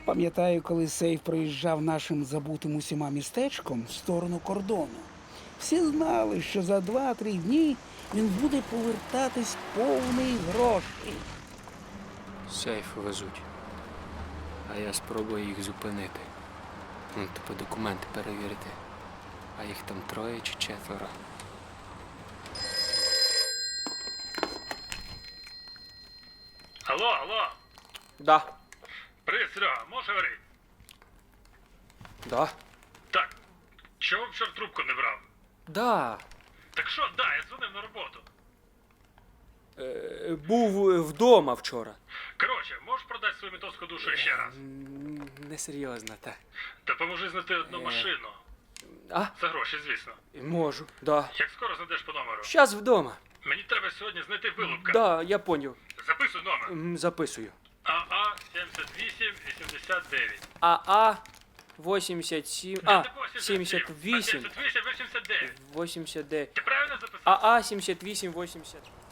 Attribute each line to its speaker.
Speaker 1: Пам'ятаю, коли сейф проїжджав нашим забутим усіма містечком в сторону кордону. Всі знали, що за 2-3 дні він буде повертатись повний грошей.
Speaker 2: Сейф везуть. А я спробую їх зупинити. Ну, типу документи перевірити. А їх там 3 чи 4.
Speaker 3: Алло.
Speaker 2: Да.
Speaker 3: Привіт, Серега, можеш говорити?
Speaker 2: Да.
Speaker 3: Так. Чого вчора трубку не брав?
Speaker 2: Да.
Speaker 3: Так що, я дзвонив на роботу.
Speaker 2: Був вдома вчора.
Speaker 3: Коротше, можеш продати свою ментовську душу ще раз?
Speaker 2: Несерйозно, так.
Speaker 3: Допоможи знайти одну машину.
Speaker 2: А?
Speaker 3: За гроші, звісно.
Speaker 2: Можу, да.
Speaker 3: Як скоро знайдеш по номеру?
Speaker 2: Щас вдома.
Speaker 3: Мені треба сьогодні знайти вилупка.
Speaker 2: Да, я поняв.
Speaker 3: Записуй номер.
Speaker 2: Записую.
Speaker 3: АА 7889.
Speaker 2: АА 87. А, 78.
Speaker 3: 7889.
Speaker 2: 89.
Speaker 3: Ти правильно записав?
Speaker 2: АА 78 80.